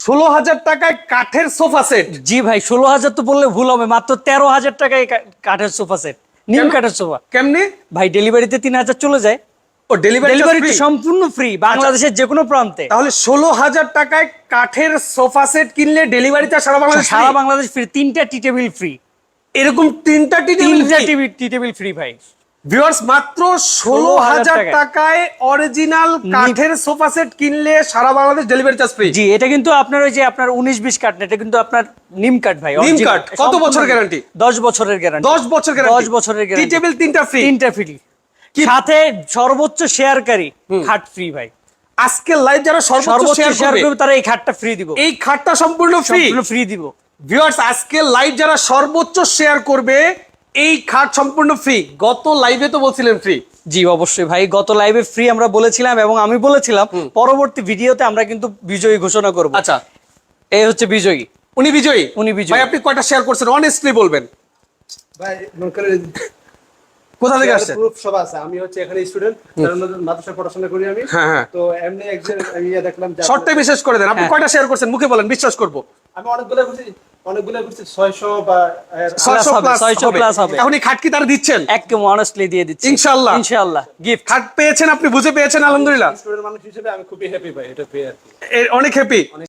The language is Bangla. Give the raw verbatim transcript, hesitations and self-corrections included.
ষোলো হাজার টাকায় কাঠের সোফা সেট। জি ভাই, ষোলো হাজার তো বললে ভুল হবে, মাত্র তেরো হাজার টাকায় কা- কাঠের সোফা সেট, নিম কাঠের সোফা। কেমনি? ভাই ডেলিভারিতে তিন হাজার চলে যায়। ও ডেলিভারি ডেলিভারি সম্পূর্ণ ফ্রি বাংলাদেশের যে কোনো প্রান্তে। তাহলে ষোলো হাজার টাকায় কাঠের সোফা সেট কিনলে ডেলিভারিটা সারা বাংলাদেশ সারা বাংলাদেশ ফ্রি, তিনটা টি টেবিল ফ্রি। এরকম তিনটা টি তিনটা টিভি টি টেবিল ফ্রি ভাই। ভিউয়ার্স মাত্র ষোলো হাজার টাকায় অরিজিনাল কাঠের সোফা সেট কিনলে সারা বাংলাদেশ ডেলিভারি চার্জ ফ্রি। জি, এটা কিন্তু আপনার ওই যে আপনার উনিশ বিশ কাঠ না, এটা কিন্তু আপনার নিম কাঠ ভাই। নিম কাঠ। কত বছর গ্যারান্টি? দশ বছরের গ্যারান্টি। দশ বছর গ্যারান্টি। দশ বছরের টি গ্যারান্টি। টেবিল তিনটা ফ্রি। তিনটা ফ্রি, সাথে সর্বোচ্চ শেয়ারকারী খাট ফ্রি ভাই। আজকে লাইভ যারা সর্বোচ্চ সর্বোচ্চ শেয়ার শেয়ার করবে করবে তারা এই খাটটা ফ্রি দিব। এই খাটটা সম্পূর্ণ ফ্রি সম্পূর্ণ ফ্রি দিব। ভিউয়ার্স আজকে লাইভ যারা সর্বোচ্চ শেয়ার করবে এই খাট সম্পূর্ণ ফ্রি। গত লাইভে তো বলছিলেন ফ্রি। জি অবশ্যই ভাই, গত লাইভে ফ্রি আমরা বলেছিলাম এবং আমি বলেছিলাম পরবর্তী ভিডিওতে আমরা কিন্তু বিজয়ী ঘোষণা করব। আচ্ছা, এই হচ্ছে বিজয়ী। উনি বিজয়ী? উনি বিজয়ী। ভাই আপনি কয়টা শেয়ার করছেন অনেস্টলি বলবেন? ভাই মনে করে কোথা থেকে আসছেন? প্রুফ সব আছে। আমি হচ্ছে এখানে স্টুডেন্ট, মাদ্রাসায় পড়াশোনা করি আমি। হ্যাঁ হ্যাঁ। তো এমনি একজন আমি ইয়া দেখলাম যে শর্টে বিশেষ করে দেন, আপনি কয়টা শেয়ার করছেন মুখে বলেন, বিশ্বাস করব। আমি অনেকগুলো করছি, অনেকগুলো করছি ছয়শো বা ছয়শো হবে, প্লাস ছয়শো হবে। প্লাস হবে। এখন এই খাট কি তারা দিচ্ছেন? একদম অনেস্টলি দিয়ে দিচ্ছি ইনশাআল্লাহ। ইনশাআল্লাহ গিফট। খাট পেয়েছেন, আপনি বুঝে পেয়েছেন, আলহামদুলিল্লাহ। স্টুডেন্ট মানুষ হিসেবে আমি খুবই হ্যাপি ভাই এটা পেয়ে আর কি। এ- অনেক হ্যাপি।